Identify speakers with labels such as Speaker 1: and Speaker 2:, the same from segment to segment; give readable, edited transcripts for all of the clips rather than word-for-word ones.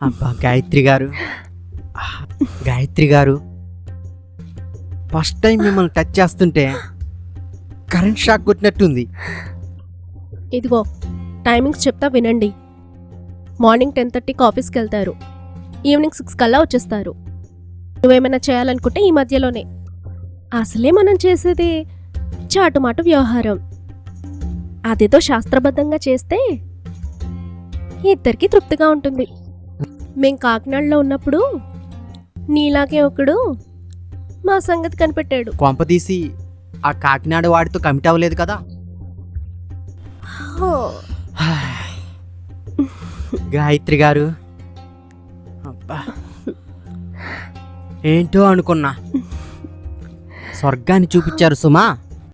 Speaker 1: అబ్బా గాయత్రి గారు, గాయత్రి గారు, ఫస్ట్ టైం మిమ్మల్ని టచ్ చేస్తుంటే కరెంట్ షాక్ కొట్టినట్టుంది.
Speaker 2: ఇదిగో టైమింగ్స్ చెప్తా వినండి. మార్నింగ్ 10:30కి ఆఫీస్కి వెళ్తారు, ఈవినింగ్ 6 కల్లా వచ్చేస్తారు. నువ్వేమైనా చేయాలనుకుంటే ఈ మధ్యలోనే. అసలే మనం చేసేది చాటుమాటు వ్యవహారం. అదేదో శాస్త్రబద్ధంగా చేస్తే ఇద్దరికి తృప్తిగా ఉంటుంది. మేం కాకినాడలో ఉన్నప్పుడు నీలాగే ఒకడు మా సంగతి కనిపెట్టాడు.
Speaker 1: కొంపదీసి ఆ కాకినాడ వాడితో కమిట్ అవ్వలేదు కదా? గాయత్రి గారు, అబ్బా ఏంటో అనుకున్నా, స్వర్గాన్ని చూపించారు సుమా.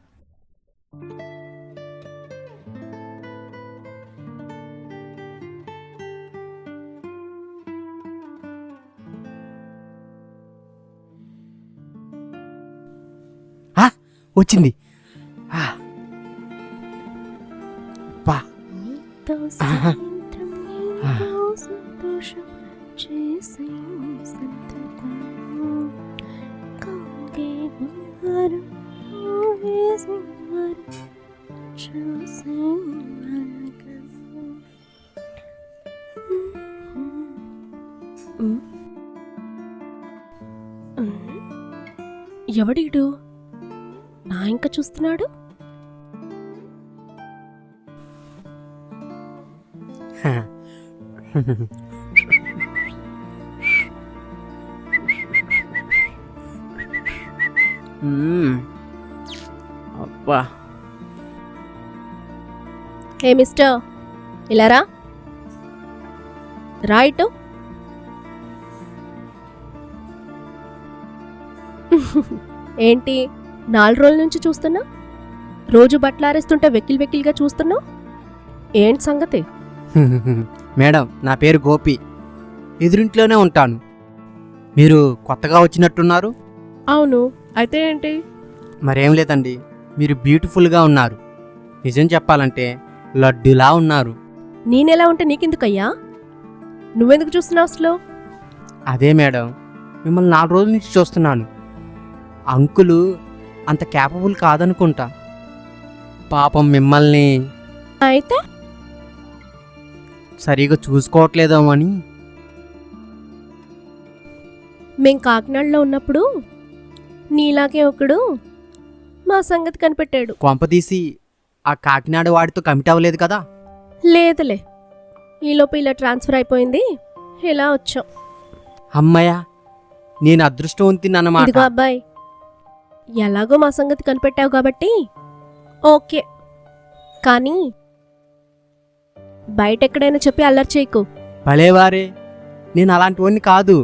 Speaker 1: వచ్చింది. బా
Speaker 2: ఎవడీడు నా ఇంకా చూస్తున్నాడు?
Speaker 1: అబ్బా,
Speaker 2: హే మిస్టర్, ఇలా రా. రైట్. ఏంటి 4 రోజుల నుంచి చూస్తున్నా? రోజు బట్టలారేస్తుంటే వెక్కిల్ వెక్కిల్గా చూస్తున్నావు ఏంటి సంగతి?
Speaker 1: మేడం, నా పేరు గోపి, ఎదురింట్లోనే ఉంటాను. మీరు కొత్తగా వచ్చినట్టున్నారు?
Speaker 2: అవును, అయితే ఏంటి?
Speaker 1: మరేం లేదండి, మీరు బ్యూటిఫుల్గా ఉన్నారు. నిజం చెప్పాలంటే లడ్డులా ఉన్నారు.
Speaker 2: నేనెలా ఉంటే నీకెందుకయ్యా? నువ్వెందుకు చూస్తున్నావు అసలు?
Speaker 1: అదే మేడం, మిమ్మల్ని 4 రోజుల నుంచి చూస్తున్నాను. అంకులు అంత క్యాపబుల్ కాదనుకుంటా. పాపం మిమ్మల్ని
Speaker 2: అయితే
Speaker 1: సరిగా చూసుకోవట్లేదేమో అని.
Speaker 2: మేం కాకినాడలో ఉన్నప్పుడు నీలాగే ఒకడు మా సంగతి కనిపెట్టాడు.
Speaker 1: కొంపదీసి ఆ కాకినాడ వాడితో కమిట్ అవ్వలేదు కదా?
Speaker 2: లేదులే, ఈలోపు ఇలా ట్రాన్స్ఫర్ అయిపోయింది, ఇలా వచ్చాం.
Speaker 1: అమ్మయ్య, నేను అదృష్టవంతిని అన్నమాట.
Speaker 2: ఇదిగో అబ్బాయి, ఎలాగో మా సంగతి కనిపెట్టావు కాబట్టి ఓకే, కానీ బయట ఎక్కడైనా చెప్పి అల్లరి చేయకు.
Speaker 1: భలేవారే, నేను అలాంటివన్నీ కాదు.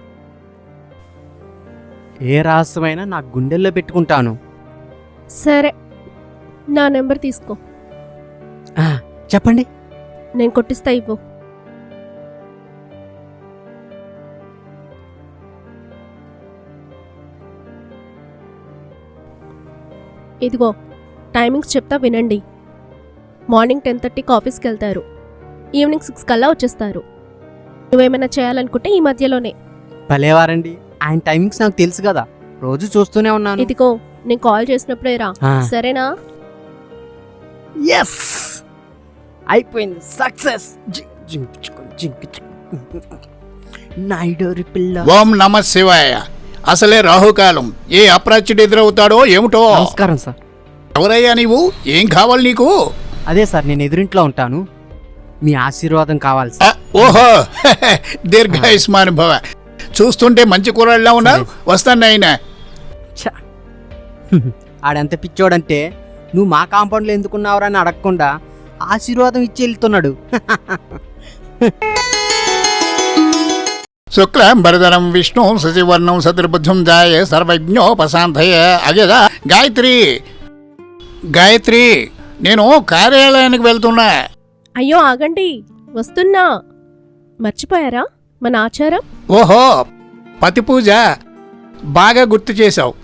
Speaker 1: ఏ రహస్యమైనా నా గుండెల్లో పెట్టుకుంటాను.
Speaker 2: సరే, నా నెంబర్ తీసుకో.
Speaker 1: చెప్పండి.
Speaker 2: నేను కొట్టిస్తా, ఇవ్వు. ఇదిగో టైమింగ్స్ చెప్తా వినండి. మార్నింగ్ 10:30కి ఆఫీస్కి వెళ్తారు, ఈవినింగ్ 6 కల్లా వచ్చేస్తారు. నువ్వేమైనా చేయాలనుకుంటే ఈ మధ్యలోనే.
Speaker 1: భలేవారండి, ఆయన టైమింగ్స్ నాకు తెలుసు కదా, రోజు చూస్తూనే ఉన్నాను.
Speaker 2: ఇదిగో నేను కాల్ చేసినప్పుడే రా, సరేనా?
Speaker 1: ఎస్, అయిపోయింది, సక్సెస్. నాయుడోరి పిల్ల.
Speaker 3: ఓం నమ శివాయ. అసలే రాహుకాలం, ఏ అప్రాచ్యుడు ఎదురవుతాడో ఏమిటో.
Speaker 1: నమస్కారం సార్.
Speaker 3: ఎవరయ్యా నీవు? ఏం కావాలి నీకు?
Speaker 1: అదే సార్, నేను ఎదురింట్లో ఉంటాను, మీ ఆశీర్వాదం కావాలి సార్.
Speaker 3: ఓహో, దీర్ఘాయుష్మాన్ భవ. చూస్తుంటే మంచి కూరళ్ళ ఉన్నావు. వస్తాను ఆయన.
Speaker 1: ఆడెంత పిచ్చోడంటే నువ్వు మా కాంపౌండ్లో ఎందుకున్నావురా అని అడగకుండా ఆశీర్వాదం ఇచ్చి వెళ్తున్నాడు.
Speaker 3: శుక్లాంబరధరం విష్ణు శశివర్ణం శత్రుబుద్ధం జాయ సర్వజ్ఞోపశాంతయ. అగేదా గాయత్రి, గాయత్రి, నేను కార్యాలయానికి వెళ్తున్నా.
Speaker 2: అయ్యో ఆగండి, వస్తున్నా. మర్చిపోయారా మన ఆచారం?
Speaker 3: ఓహో, పతి పూజ బాగా గుర్తు చేశావు.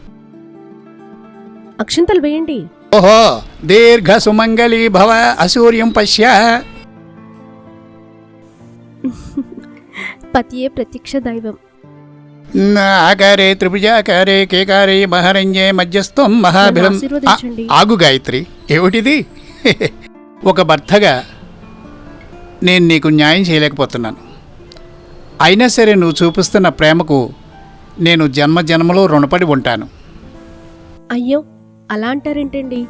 Speaker 2: అక్షింతలు వేయండి.
Speaker 3: ఓహో, దీర్ఘ సుమంగళీ భవ. అసూర్యం పశ్య.
Speaker 2: పతియే ప్రత్యక్ష దైవం.
Speaker 3: ఆకారే త్రిభుజాకారే కేకారే మహారంజే మధ్యస్థం
Speaker 2: నన్ను
Speaker 3: మహాభిలం.
Speaker 2: ఆశీర్వదించండి.
Speaker 3: ఆగు గాయత్రి, ఏమిటిది? ఒక భర్తగా నేను నీకు న్యాయం చేయలేకపోతున్నాను. అయినా సరే నువ్వు చూపిస్తున్న ప్రేమకు నేను జన్మ జన్మలో రుణపడి ఉంటాను.
Speaker 2: అయ్యో, అలా అంటారేంటండి?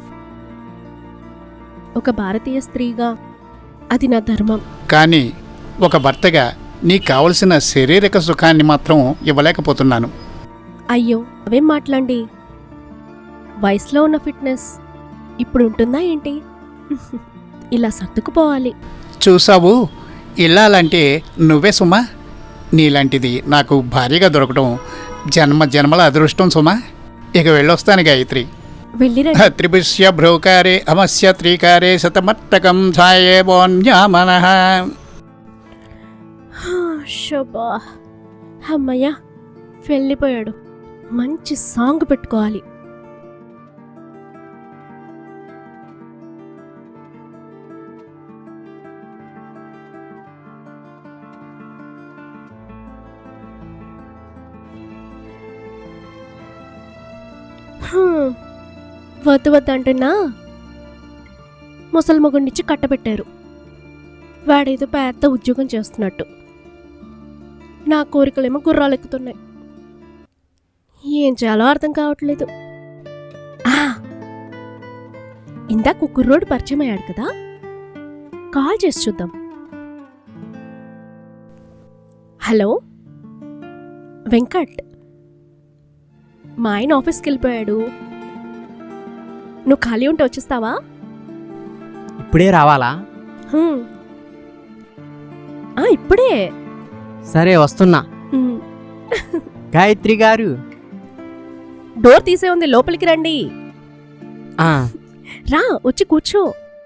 Speaker 2: ఒక భారతీయ స్త్రీగా అది నా ధర్మం.
Speaker 3: కానీ ఒక భర్తగా నీకు కావలసిన శారీరక సుఖాన్ని మాత్రం ఇవ్వలేకపోతున్నాను.
Speaker 2: అయ్యో, అవేం మాట్లాడండి. వయసులో ఉన్న ఫిట్నెస్ ఇప్పుడు ఉంటుందా ఏంటి? ఇలా సర్దుకుపోవాలి.
Speaker 3: చూసావు, ఇల్లాలంటే నువ్వే సుమా. నీలాంటిది నాకు భార్యగా దొరకడం జన్మ జన్మల అదృష్టం సుమా. ఇక వెళ్ళొస్తాను గాయత్రి.
Speaker 2: వెళ్ళిరండి.
Speaker 3: త్రిభుష్య భ్రౌకారే అమస్య త్రీకారే శతమట్టకం ఛాయే బోన్యామనః.
Speaker 2: శోభా, అమ్మయ్య, వెళ్ళిపోయాడు. మంచి సాంగ్ పెట్టుకోవాలి. వద్దు వద్దు అంటున్నా ముసలి మొగుడినిచ్చి కట్టబెట్టారు. వాడేదో పెద్ద ఉద్యోగం చేస్తున్నట్టు. నా కోరికలేమో గుర్రాలు ఎక్కుతున్నాయి. ఏం చేయాలో అర్థం కావట్లేదు. ఇందాక కుర్రోడు పరిచయం అయ్యాడు కదా, కాల్ చేసి చూద్దాం. హలో వెంకట్, మా ఆయన ఆఫీస్కి వెళ్ళిపోయాడు. నువ్వు ఖాళీ ఉంటే వచ్చేస్తావా?
Speaker 1: ఇప్పుడే రావాలా?
Speaker 2: హ్మ్. ఇప్పుడే.
Speaker 1: సరే వస్తున్నా.
Speaker 2: హ్మ్.
Speaker 1: గాయత్రి గారు.
Speaker 2: డోర్ తీసే ఉంది, లోపలికి రండి.
Speaker 1: ఆ,
Speaker 2: రా, వచ్చి కూర్చో.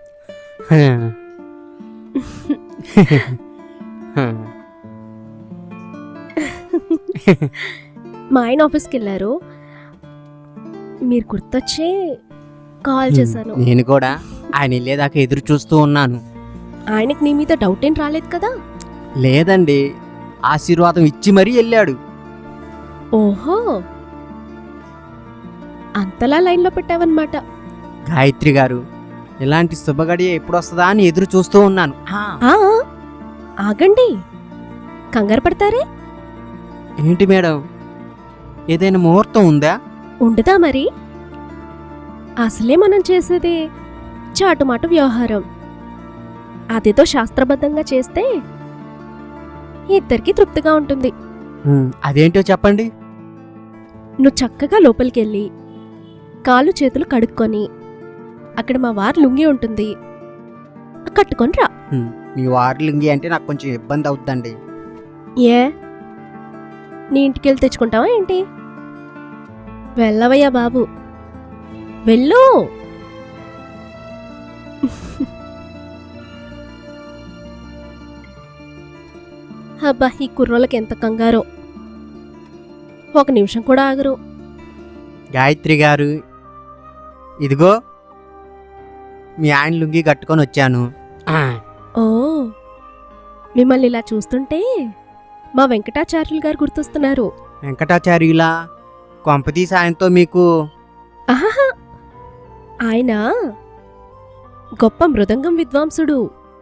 Speaker 2: మా ఆయన ఆఫీస్కి వెళ్ళారు. మీరు గుర్తొచ్చే కాల్ చేశాను.
Speaker 1: నేను కూడా ఆయన వెళ్ళేదాకా ఎదురు చూస్తూ ఉన్నాను.
Speaker 2: ఆయనకి నీ మీద డౌట్ ఏం రాలేదు కదా?
Speaker 1: లేదండి, ఆశీర్వాదం ఇచ్చి మరీ వెళ్ళాడు.
Speaker 2: ఓహో, అంతలా లైన్లో పెట్టావన్నమాట.
Speaker 1: గాయత్రి గారు, ఇలాంటి శుభగడియ ఎప్పుడు వస్తుందా అని ఎదురు చూస్తూ ఉన్నాను.
Speaker 2: ఆగండి, కంగారు పడతారే?
Speaker 1: ఏంటి మేడం, ఏదైనా ముహూర్తం ఉందా?
Speaker 2: ఉండదా మరి? అసలే మనం చేసేది చాటుమాటు వ్యవహారం. అదేదో శాస్త్రబద్ధంగా చేస్తే ఇద్దరికి తృప్తిగా ఉంటుంది.
Speaker 1: అదేంటో చెప్పండి.
Speaker 2: నువ్వు చక్కగా లోపలికెళ్ళి కాళ్ళు చేతులు కడుక్కొని అక్కడ మా వారు లుంగి ఉంటుంది, కట్టుకొని రా.
Speaker 1: మీ వార్లింగి అంటే నాకు కొంచెం ఇబ్బంది అవుతుందండి.
Speaker 2: ఏ, నీ ఇంటికెళ్ళి తెచ్చుకుంటావా ఏంటి? వెళ్ళవయ్యా బాబు, వెళ్ళు. అబ్బా, ఈ కుర్రోళ్ళకి ఎంత కంగారో, ఒక నిమిషం కూడా ఆగరు.
Speaker 1: గాయత్రి గారు, ఇదిగో మీ ఆయన లుంగి కట్టుకొని వచ్చాను.
Speaker 2: ఓ, మిమ్మల్ని ఇలా చూస్తుంటే మా వెంకటాచార్యులు గారు గుర్తొస్తున్నారు.
Speaker 1: వెంకటాచార్యులా? కొంపతీసి ఆయనతో మీకు?
Speaker 2: ఆహా, ఆయన గొప్ప మృదంగం విద్వాంసుడు.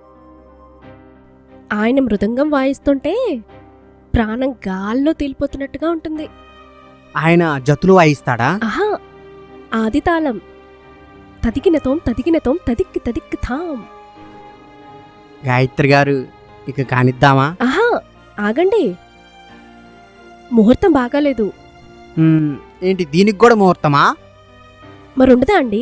Speaker 2: ఆయన మృదంగం వాయిస్తుంటే ప్రాణం గాల్లో తేలిపోతున్నట్టుగా ఉంటుంది.
Speaker 1: ఆయన జతులు వాయిస్తాడా?
Speaker 2: ఆహా, ఆది తాళం. తదికినతోం తదికినతోం తదిక్కి తదిక్కి థాం.
Speaker 1: గాయత్రి గారు, ఇక కానిద్దామా?
Speaker 2: ఆహా, ఆగండి, ముహూర్తం బాగాలేదు.
Speaker 1: ఏంటి, దీనికి కూడా ముహూర్తమా?
Speaker 2: మరుండదా అండి?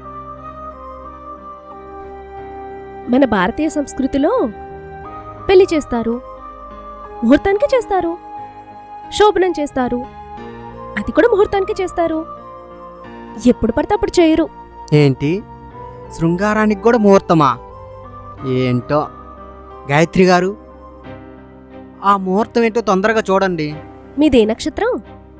Speaker 2: మన భారతీయ సంస్కృతిలో పెళ్లి చేస్తారు, ముహూర్తానికి చేస్తారు, శోభనం చేస్తారు, అది కూడా ముహూర్తానికి చేస్తారు. ఎప్పుడు పడితే అప్పుడు చేయరు.
Speaker 1: ఏంటి, శృంగారానికి కూడా ముహూర్తమా? ఏంటో. గాయత్రి గారు, ఆ ముహూర్తం ఏంటో తొందరగా చూడండి.
Speaker 2: మీదే నక్షత్రం?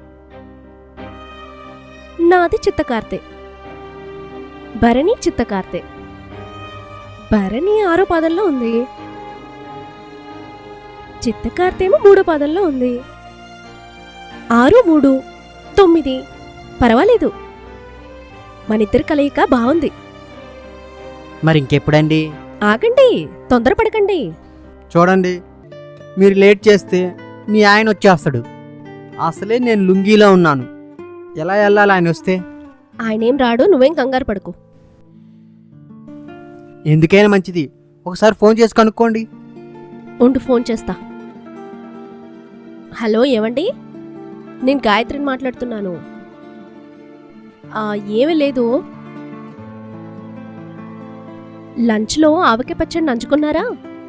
Speaker 2: నాది చిత్తకార్తె. భరణి చిత్తకార్తె. భరణి 6వ పాదంలో ఉంది. చిత్తకార్తెమో 3వ పాదంలో ఉంది. 6, 3, 9 పర్వాలేదు. మనిద్దరి కలయిక బాగుంది.
Speaker 1: మరి ఇంకెప్పుడండి?
Speaker 2: ఆగండి, తొందరపడకండి.
Speaker 1: చూడండి, మీరు లేట్ చేస్తే మీ ఆయన వచ్చేస్తాడు. అసలే నేను లుంగీలో ఉన్నాను. ఎలా వెళ్ళాలి ఆయన వస్తే?
Speaker 2: ఆయనేం రాడు, నువ్వేం కంగారు పడకు.
Speaker 1: ఎందుకైనా మంచిది ఒకసారి ఫోన్ చేసి కనుక్కోండి.
Speaker 2: ఉండు, ఫోన్ చేస్తా. హలో, ఏవండి? నేను గాయత్రిని మాట్లాడుతున్నాను. ఏమీ లేదు. లంచ్లో ఆవకాయ పచ్చడి నంచుకున్నారా?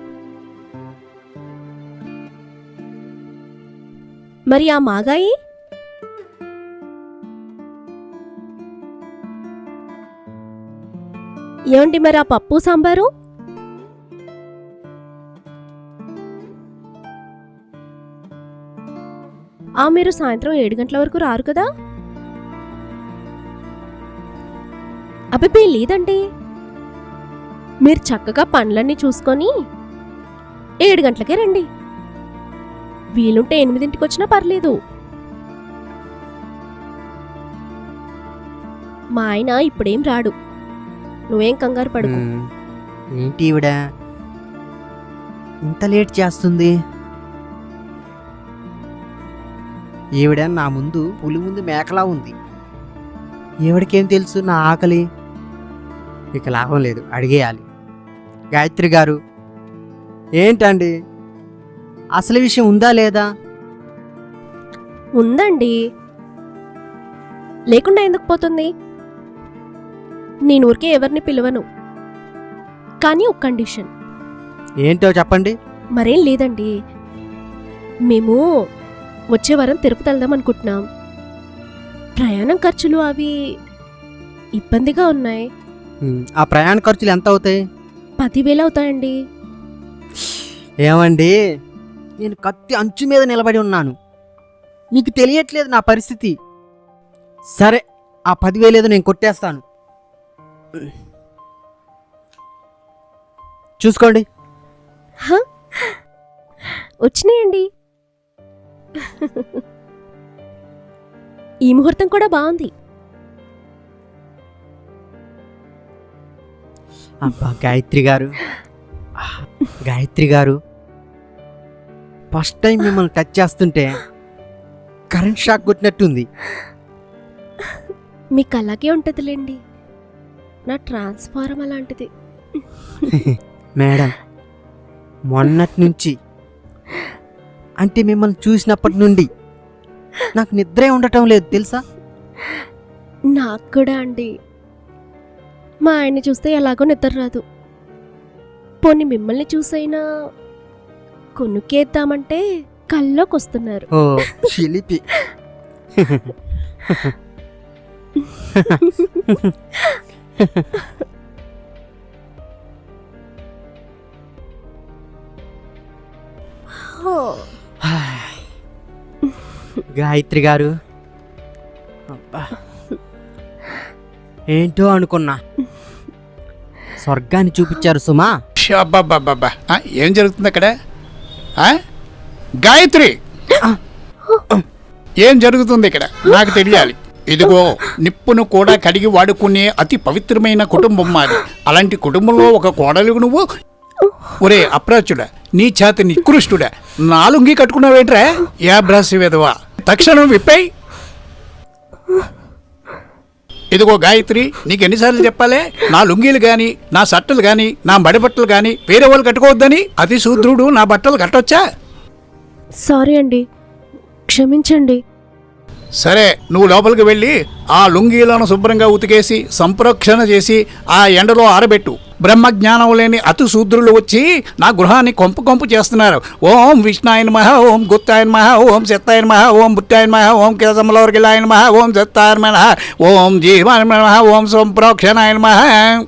Speaker 2: మరి ఆ మాగాయి? ఏమండి మరి ఆ పప్పు సాంబారు? మీరు సాయంత్రం 7 గంటల వరకు రారు కదా? అబ్బే లేదండి, మీరు చక్కగా పనులన్నీ చూసుకొని 7 గంటలకే రండి. వీలుంటే 8ంటికి వచ్చినా పర్లేదు. మా ఆయన ఇప్పుడేం రాడు, నువ్వేం కంగారు పడుకో.
Speaker 1: ఏంటి ఈవిడ ఇంత లేట్ చేస్తుంది? ఈవిడ నా ముందు పులి ముందు మేకలా ఉంది. ఈవిడకేం తెలుసు నా ఆకలి? ఇక లాభం లేదు, అడిగేయాలి. గాయత్రి గారు, ఏంటండి అసలు విషయం ఉందా లేదా?
Speaker 2: ఉందండి, లేకుండా ఎందుకు పోతుంది? నేను ఊరికే ఎవరిని పిలవను, కానీ ఒక కండిషన్.
Speaker 1: ఏంటో చెప్పండి.
Speaker 2: మరేం లేదండి, మేము వచ్చే వారం తిరుపతి వెళ్దాం అనుకుంటున్నాం. ప్రయాణం ఖర్చులు అవి ఇబ్బందిగా ఉన్నాయి.
Speaker 1: ఆ ప్రయాణ ఖర్చులు ఎంత అవుతాయి?
Speaker 2: 10,000 అవుతాయండి.
Speaker 1: ఏమండి, నేను కత్తి అంచు మీద నిలబడి ఉన్నాను, మీకు తెలియట్లేదు నా పరిస్థితి. సరే, ఆ 10,000 ఏదో నేను కొట్టేస్తాను, చూసుకోండి.
Speaker 2: వచ్చినాయండి. ఈ ముహూర్తం కూడా బాగుంది.
Speaker 1: అబ్బా గాయత్రి గారు, గాయత్రి గారు, ఫస్ట్ టైం మిమ్మల్ని టచ్ చేస్తుంటే కరెంట్ షాక్ కొట్టినట్టుంది.
Speaker 2: మీకు అలాగే ఉంటుందిలేండి, నా ట్రాన్స్ఫారం అలాంటిది.
Speaker 1: మేడం, మొన్నటి నుంచి అంటే మిమ్మల్ని చూసినప్పటి నుండి నాకు నిద్రే ఉండటం లేదు తెలుసా?
Speaker 2: నాకు కూడా అండి. మా ఆయన్ని చూస్తే ఎలాగో నిద్ర రాదు. పోనీ మిమ్మల్ని చూసైనా కొనుక్కేద్దామంటే కల్లోకి వస్తున్నారు.
Speaker 1: ఓ చిలిపి. గాయత్రి గారు, అబ్బా, ఏంటో అనుకున్నా, స్వర్గాన్ని చూపించారు సుమా.
Speaker 3: అబ్బాబ్బాబ్బా, ఏం జరుగుతుంది అక్కడ? గాయత్రి, ఏం జరుగుతుంది ఇక్కడ నాకు తెలియాలి. ఇదిగో, నిప్పును కూడా కడిగి వాడుకునే అతి పవిత్రమైన కుటుంబం మాది. అలాంటి కుటుంబంలో ఒక కోడలు నువ్వు. ఒరే అప్రాచుడా, నీ చేత నికృష్టుడా, నా లుంగి కట్టుకున్నావేంట్రా? యా బ్రాసి వెదవా, తక్షణం విప్పాయి. ఇదిగో గాయత్రి, నీకు ఎన్నిసార్లు చెప్పాలే, నా లుంగీలు గాని, నా షర్టులు గాని, నా బట్టలు గాని వేరే వాళ్ళు కట్టుకోవద్దని. అతి శూద్రుడు నా బట్టలు కట్టొచ్చా?
Speaker 2: సారీ అండి, క్షమించండి.
Speaker 3: సరే, నువ్వు లోపలికి వెళ్ళి ఆ లుంగీలను శుభ్రంగా ఉతికేసి సంప్రోక్షణ చేసి ఆ ఎండలో ఆరబెట్టు. బ్రహ్మజ్ఞానం లేని అతి శూద్రులు వచ్చి నా గృహాన్ని కొంపు చేస్తున్నారు. ఓం విష్ణాయ నమః, ఓం గుత్తాయ నమః, ఓం శత్తాయ నమః, ఓం బుట్టాయ నమః, ఓం కేశమలవర్గిలాయ నమః, ఓం శత్తాయ నమః, ఓం జీవాయ నమః, ఓం సంప్రోక్షణాయ నమః.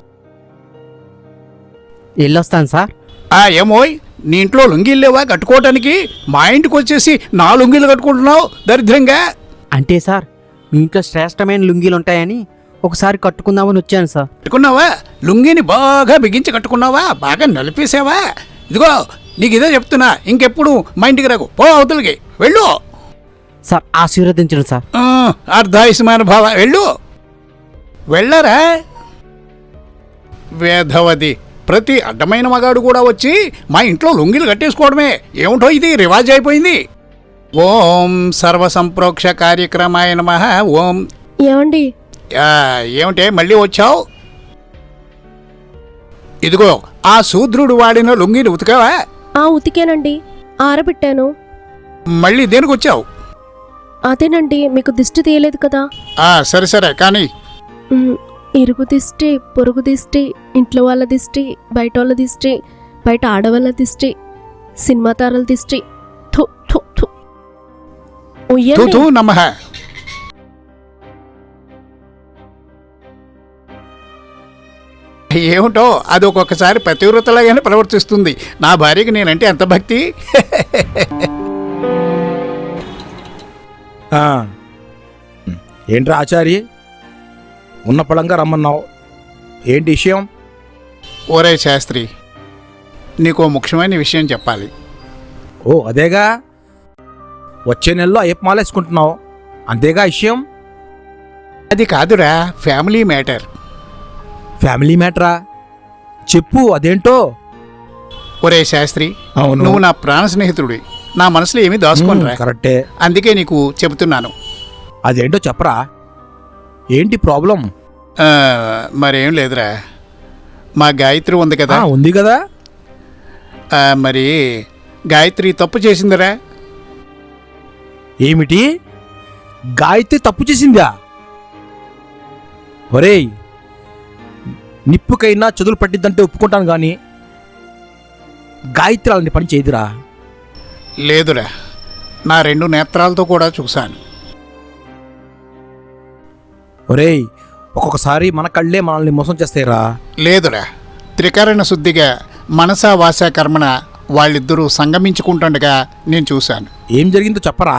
Speaker 1: వెళ్ళొస్తాను సార్.
Speaker 3: ఏమోయ్, నీ ఇంట్లో లుంగీలు లేవా కట్టుకోవటానికి? మా ఇంటికి వచ్చేసి నా లుంగీలు కట్టుకుంటున్నావు దరిద్రంగా.
Speaker 1: అంటే సార్, మీ ఇంట్లో శ్రేష్టమైన లుంగీలు ఉంటాయని ఒకసారి కట్టుకుందామని వచ్చాను సార్.
Speaker 3: కట్టుకున్నావా? లుంగిని బాగా బిగించి కట్టుకున్నావా? బాగా నలిపేసావా? ఇదిగో, నీకు ఇదే చెప్తున్నా, ఇంకెప్పుడు మా ఇంటికి రాకు, పో అవతలికి వెళ్ళు.
Speaker 1: సార్ ఆశీర్వదించండి సార్.
Speaker 3: అర్ధాయుష్మాన భావ, వెళ్ళు, వెళ్ళరా. వేధవది, ప్రతి అడ్డమైన మగాడు కూడా వచ్చి మా ఇంట్లో లొంగిలు కట్టేసుకోవడమే ఏమిటో ఇది రివాజ్ అయిపోయింది. ఓం సర్వసంప్రోక్ష కార్యక్రమాయ నమః. ఓం.
Speaker 2: ఏమండి?
Speaker 3: ఏమిటే మళ్ళీ వచ్చావు? ఇదిగో ఆ శూద్రుడు వాడిన లొంగిని ఉతికావా?
Speaker 2: ఉతికానండి, ఆరబెట్టాను.
Speaker 3: మళ్ళీ దేనికి వచ్చావు?
Speaker 2: అదేనండి, మీకు దిష్టి తీయలేదు కదా.
Speaker 3: సరే సరే కానీ
Speaker 2: ఇరుగు దిష్టి, పొరుగు దిష్టి, ఇంట్లో వాళ్ళ దిష్టి, బయట వాళ్ళ దిష్టి, బయట ఆడవాళ్ళ దిష్టి, సినిమా తారల దిష్టి. థు థు థు. ఉయ్యండి.
Speaker 3: తూ నమః. ఏమిటో అది ఒక్కొక్కసారి పతివ్రతలాగానే ప్రవర్తిస్తుంది. నా భార్యకి నేనంటే ఎంత భక్తి.
Speaker 4: ఏంట్రా ఆచారి, ఉన్న పళంగా రమ్మన్నావు, ఏంటి విషయం?
Speaker 3: ఓరే శాస్త్రి, నీకో ముఖ్యమైన విషయం చెప్పాలి.
Speaker 4: ఓ అదేగా, వచ్చే నెలలో అయ్యప్ప మాలేసుకుంటున్నావు, అంతేగా విషయం?
Speaker 3: అది కాదురా, ఫ్యామిలీ మ్యాటర్.
Speaker 4: ఫ్యామిలీ మ్యాటరా? చెప్పు, అదేంటో.
Speaker 3: ఒరే శాస్త్రి,
Speaker 4: అవును.
Speaker 3: నువ్వు నా ప్రాణ స్నేహితుడి, నా మనసులో ఏమీ దాచుకోనరా.
Speaker 4: కరెక్టే.
Speaker 3: అందుకే నీకు చెబుతున్నాను.
Speaker 4: అదేంటో చెప్పరా, ఏంటి ప్రాబ్లం?
Speaker 3: మరేం లేదురా, మా గాయత్రి ఉంది కదా.
Speaker 4: ఉంది కదా.
Speaker 3: మరి గాయత్రి తప్పు చేసిందిరా.
Speaker 4: ఏమిటి, గాయత్రి తప్పు చేసిందా? ఒరేయ్, నిప్పుకైనా చదువులు పట్టిద్దంటే ఒప్పుకుంటాను కానీ గాయత్రి అలాంటి పని చేయదురా.
Speaker 3: లేదురా, నా 2 నేత్రాలతో కూడా చూశాను.
Speaker 4: ఒరేయ్, ఒక్కొక్కసారి మన కళ్ళే మనల్ని మోసం చేస్తాయిరా.
Speaker 3: లేదురా, త్రికరణ శుద్ధిగా మనసా వాసా కర్మణ వాళ్ళిద్దరూ సంగమించుకుంటుండగా నేను చూశాను.
Speaker 4: ఏం జరిగిందో చెప్పరా.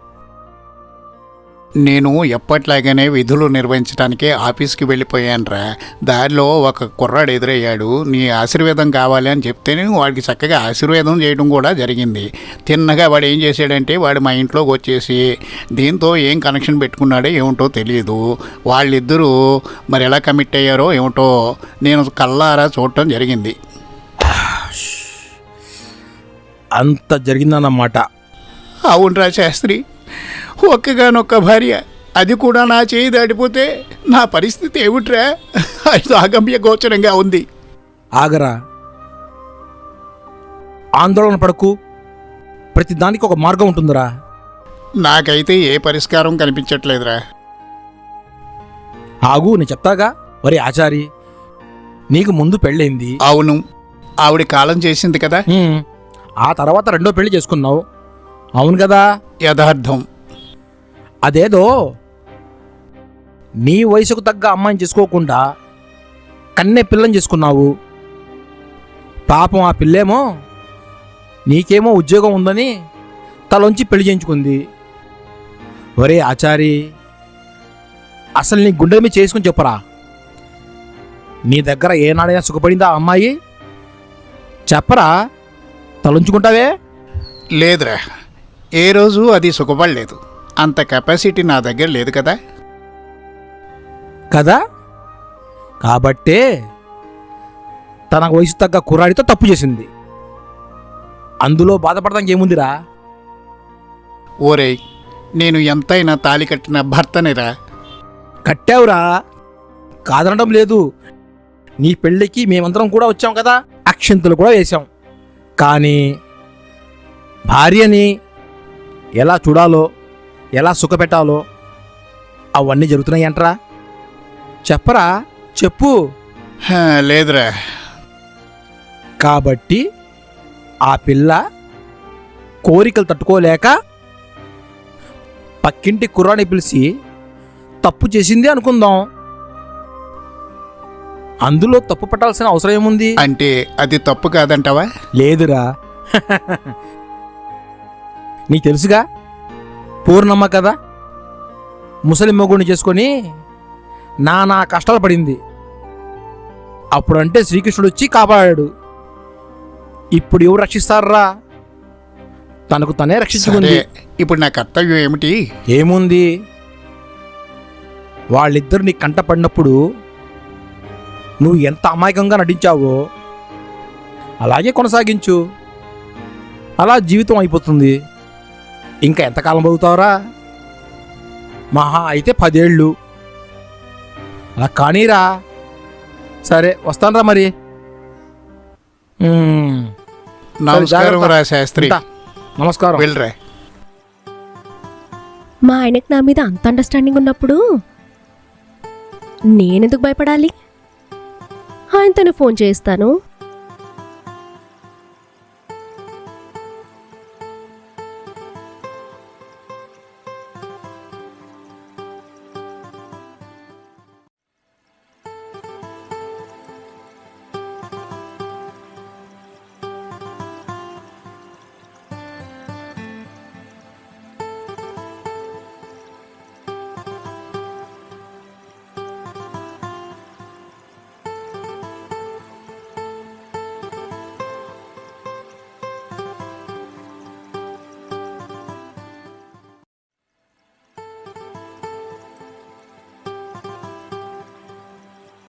Speaker 3: నేను ఎప్పట్లాగానే విధులు నిర్వహించడానికే ఆఫీస్కి వెళ్ళిపోయానురా. దారిలో ఒక కుర్రాడు ఎదురయ్యాడు. నీ ఆశీర్వేదం కావాలి అని చెప్తేనే వాడికి చక్కగా ఆశీర్వేదం చేయడం కూడా జరిగింది. తిన్నగా వాడు ఏం చేశాడంటే, వాడు మా ఇంట్లోకి వచ్చేసి దీంతో ఏం కనెక్షన్ పెట్టుకున్నాడో ఏమిటో తెలియదు. వాళ్ళిద్దరూ మరి ఎలా కమిట్ అయ్యారో ఏమిటో నేను కళ్ళారా చూడటం జరిగింది.
Speaker 4: అంత జరిగిందన్నమాట.
Speaker 3: అవునరా శాస్త్రి, ఒక్కగానొక్క భార్య, అది కూడా నా చేయి దాటిపోతే నా పరిస్థితి ఏమిట్రా? అది అగమ్య గోచరంగా ఉంది.
Speaker 4: ఆగరా, ఆందోళన పడకు, ప్రతిదానికి ఒక మార్గం ఉంటుందిరా.
Speaker 3: నాకైతే ఏ పరిష్కారం కనిపించట్లేదురా.
Speaker 4: ఆగు, నేను చెప్తాగా. మరి ఆచారి, నీకు ముందు పెళ్ళైంది.
Speaker 3: అవును, ఆవిడ కాలం చేసింది కదా.
Speaker 4: ఆ తర్వాత 2వ పెళ్లి చేసుకున్నావు, అవును కదా.
Speaker 3: యథార్థం.
Speaker 4: అదేదో నీ వయసుకు తగ్గ అమ్మాయిని చేసుకోకుండా కన్నే పిల్లని చేసుకున్నావు. పాపం ఆ పిల్లేమో నీకేమో ఉద్యోగం ఉందని తలొంచి పెళ్లి చేయించుకుంది. ఒరే ఆచారి, అసలు నీ గుండె మీద చేసుకుని చెప్పరా, నీ దగ్గర ఏనాడైనా సుఖపడిందా ఆ అమ్మాయి? చెప్పరా, తలొంచుకుంటావే.
Speaker 3: లేదురా, ఏ రోజు అది సుఖపడలేదు. అంత కెపాసిటీ నా దగ్గర లేదు కదా.
Speaker 4: కదా, కాబట్టే తన వయసు తగ్గ కుర్రాడితో తప్పు చేసింది. అందులో బాధపడడానికి ఏముందిరా.
Speaker 3: ఓరేయ్, నేను ఎంతైనా తాళి కట్టిన భర్తనిరా.
Speaker 4: కట్టావురా, కాదనడం లేదు. నీ పెళ్ళికి మేమందరం కూడా వచ్చాం కదా, అక్షింతలు కూడా వేశాం. కానీ భార్యని ఎలా చూడాలో, ఎలా సుఖపెట్టాలో అవన్నీ జరుగుతున్నాయి అంటరా. చెప్పరా, చెప్పు.
Speaker 3: లేదురా.
Speaker 4: కాబట్టి ఆ పిల్ల కోరికలు తట్టుకోలేక పక్కింటి కుర్రాన్ని పిలిచి తప్పు చేసింది అనుకుందాం. అందులో తప్పు పట్టాల్సిన అవసరం ఏముంది?
Speaker 3: అంటే అది తప్పు కాదంటావా?
Speaker 4: లేదురా, నీకు తెలుసుగా, పూర్ణమ్మ కదా ముసలి మొగుడిని చేసుకొని నానా కష్టాలు పడింది. అప్పుడంటే శ్రీకృష్ణుడు వచ్చి కాపాడాడు. ఇప్పుడు ఎవరు రక్షిస్తారా? తనకు తనే
Speaker 3: సరే,
Speaker 4: రక్షించుకుంది.
Speaker 3: ఇప్పుడు నా కర్తవ్యం ఏమిటి?
Speaker 4: ఏముంది, వాళ్ళిద్దరు నీ కంట పడినప్పుడు నువ్వు ఎంత అమాయకంగా నటించావో అలాగే కొనసాగించు. అలా జీవితం అయిపోతుంది. ఇంకా ఎంతకాలం బతుకుతావురా? మహా అయితే 10 ఏళ్ళు. అలా కానీరా. సరే వస్తానురా మరి.
Speaker 3: నమస్కారం రా శాస్త్రి.
Speaker 4: ఉంటా. నమస్కారం.
Speaker 3: వెళ్ళరా.
Speaker 2: మా ఆయనకు నా మీద అంత అండర్స్టాండింగ్ ఉన్నప్పుడు నేనెందుకు భయపడాలి? ఆయనతోనే ఫోన్ చేస్తాను.